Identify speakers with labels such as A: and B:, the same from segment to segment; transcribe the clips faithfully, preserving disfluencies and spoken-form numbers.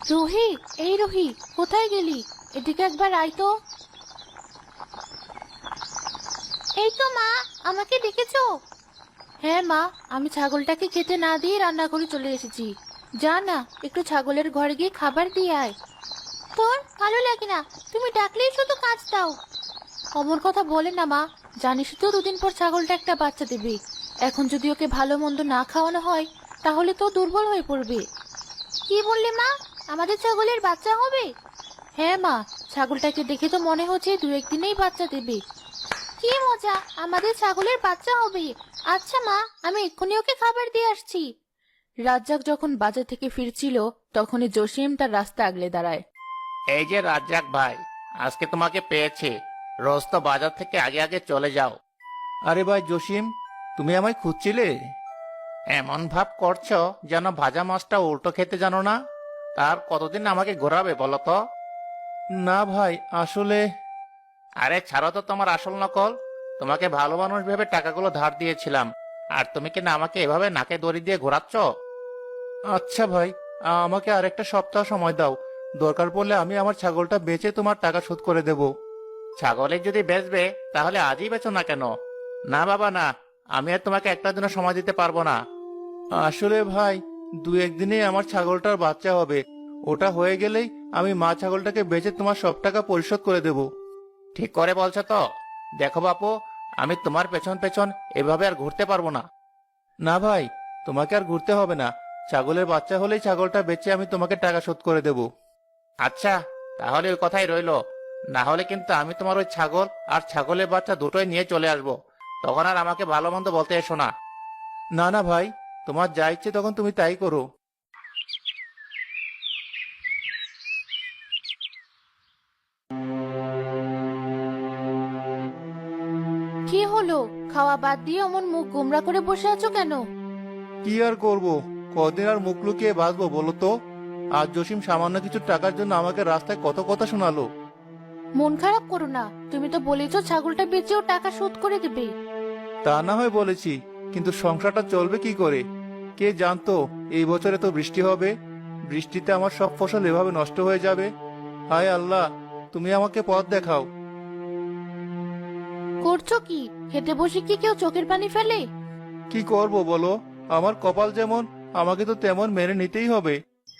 A: রুহি, এই রুহি, কোথায় গেলি? এদিকে একবার আয় তো। এই তো মা, আমাকে ডেকেছো? হ্যাঁ মা, আমি ছাগলটাকে খেতে না দিয়ে রান্না করে চলে এসেছি। যা না, একটু ছাগলের ঘরে গিয়ে খাবার দিয়ে আয়। তোর ভালো লাগে না, তুমি ডাকলেই শুধু কাজ দাও। অমর কথা বলে না মা, জানিস তো দুদিন পর ছাগলটা একটা বাচ্চা দেবে। এখন যদি ওকে ভালো মন্দ না খাওয়ানো হয় তাহলে তো দুর্বল হয়ে পড়বে। কি বললে মা, আমাদের ছাগলের বাচ্চা হবে? হ্যাঁ মা, ছাগলটাকে দেখে তো মনে হচ্ছে দু একদিনেই বাচ্চা দেবে। কি মজা, আমাদের ছাগলের বাচ্চা হবে। আচ্ছা মা, আমি এক্ষুনি ওকে খাবার দিয়ে আসছি। রাজ্জাক যখন বাজার থেকে ফিরছিল তখনই জসিম তার রাস্তা আগলে দাঁড়ায়।
B: এই যে রাজ্জাক ভাই, আজকে তোমাকে পেয়েছি। রোজ তো বাজার থেকে আগে আগে চলে যাও।
C: আরে ভাই জসিম, তুমি আমায় খুঁজছিলে?
B: এমন ভাব করছো যেন ভাজা মাছটা উল্টো খেতে জানো না। তার কতদিন আমাকে ঘোরাবে বলো তো?
C: না ভাই, আসলে
B: আরে ছাড়ো তো তোমার আসল নকল। তোমাকে ভালো মানুষ ভেবে টাকাগুলো ধার দিয়েছিলাম, আর তুমি কি না আমাকে এভাবে নাকে দড়ি দিয়ে ঘোরাচ্ছ?
C: আচ্ছা ভাই, আমাকে আরেকটা সপ্তাহ সময় দাও। দরকার পড়লে আমি আমার ছাগলটা বেচে তোমার টাকা শোধ করে দেব।
B: ছাগলে যদি বেচবে তাহলে আজই বেচো না কেন? না বাবা না, আমি আর তোমাকে একটা দিনও সময় দিতে পারবো না।
C: আসলে ভাই, দু একদিনেই আমার ছাগলটার বাচ্চা হবে। ওটা হয়ে গেলেই আমি মা ছাগলটাকে বেচে তোমার সব টাকা পরিশোধ করে দেব।
B: ঠিক করে বলছো তো? দেখো বাপু, আমি তোমার পেছন পেছন এভাবে আর ঘুরতে পারবো না।
C: না ভাই, তোমাকে আর ঘুরতে হবে না। ছাগলের বাচ্চা হলেই ছাগলটা বেচে আমি তোমাকে টাকা শোধ করে দেব।
B: আচ্ছা, তাহলে ওই কথাই রইলো। না হলে কিন্তু আমি তোমার ওই ছাগল আর ছাগলের বাচ্চা দুটোই নিয়ে চলে আসবো। তখন আর আমাকে ভালো মন্দ বলতে এসো না।
C: না না ভাই, তোমার যা ইচ্ছে তখন তুমি তাই করো।
A: কি হলো? খাওয়া বাদ দিয়ে অমন মুখ গোমরা করে বসে আছো কেন?
C: কি আর করব, কদিন আর মুখ লুকিয়ে বাঁচবো বলো তো? আজ জসিম সামান্য কিছু টাকার জন্য আমাকে রাস্তায় কত কথা শোনালো।
A: মন খারাপ করো না, তুমি তো বলেছো ছাগলটা বেচেও টাকা শোধ করে দেবে।
C: তা না হয় বলেছি, কিন্তু সংসারটা চলবে কি করে? কে জানতো এই বছরে তো বৃষ্টি হবে। বৃষ্টিতে আমার সব ফসল এভাবে নষ্ট হয়ে যাবে। হায় আল্লাহ, তুমি আমাকে পথ দেখাও।
A: করছো কি? খেতে বসে কি কেউ চোখের পানি ফেলে?
C: কি করব বলো? আমার কপাল যেমন, আমাকে তো তেমন মেনে নিতেই হবে।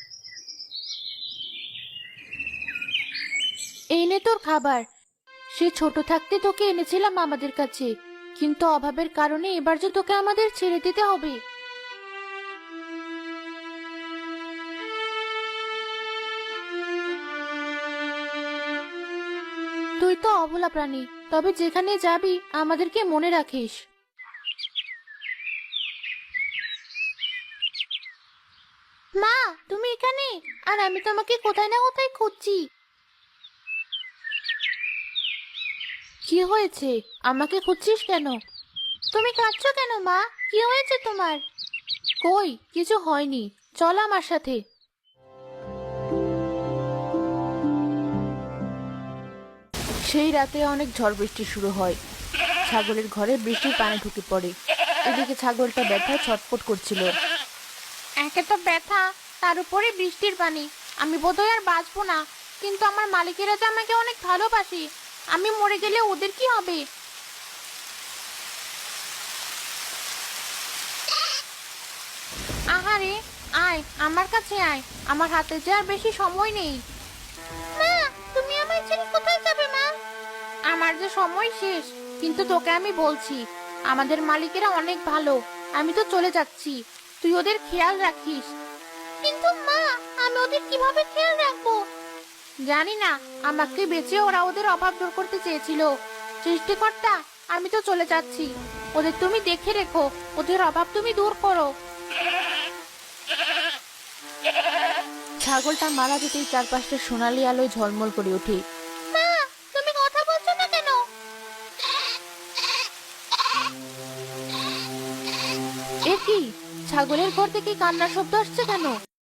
A: এই নে তোর খাবার। সে ছোট থাকতে তোকে এনেছিলাম আমাদের কাছে, কিন্তু অভাবের কারণে এবার যে তোকে আমাদের ছেড়ে দিতে হবে। তুই তো অবলা প্রাণী, তবে যেখানে যাবি আমাদেরকে মনে রাখিস। মা, তুমি এখানে? আর আমি তোমাকে কোথায় না কোথায় খুঁজছি। কি হয়েছে? আমাকে খুঁজছিস কেন? তুমি কাঁদছো কেন মা? কি হয়েছে তোমার? কই, কিছু হয়নি, চল আমার সাথে। সেই রাতে অনেক ঝড় বৃষ্টি শুরু হয়। ছাগলের ঘরে বৃষ্টির পানি ঢুকে পড়ে। এদিকে ছাগলটা ব্যথায় ছটফট করছিল। একে তো ব্যথা, তার উপরে বৃষ্টির পানি। আমি বোধহয় আর বাঁচবো না। কিন্তু আমার মালিকেরা যে আমাকে অনেক ভালোবাসে, আমি মরে গেলে ওদের কি হবে? আহারে, আয় আমার কাছে আয়, আমার হাতে যে আর বেশি সময় নেই। মা, তুমি আমায় ছেড়ে কোথায় যাবে মা? আমার যে সময় শেষ, কিন্তু তোকে আমি বলছি, আমাদের মালিকেরা অনেক ভালো। আমি তো চলে যাচ্ছি, তুই ওদের খেয়াল রাখিস। কিন্তু মা, আমি ওদের কিভাবে খেয়াল রাখবো? জানি না, আমাকে বেঁচে ওরা ওদের অভাব দূর করতে চেয়েছিল। সৃষ্টিকর্তা, আমি তো চলে যাচ্ছি, ওদের তুমি দেখে রেখো, ওদের অভাব তুমি দূর করো। ছাগলটা মারা যেতেই চারপাশটা সোনালি আলোয় ঝলমল করে ওঠে। মা, তুমি কথা বলছো না কেন? এ কি? ছাগলের ঘর থেকে কান্নার শব্দ আসছে কেন?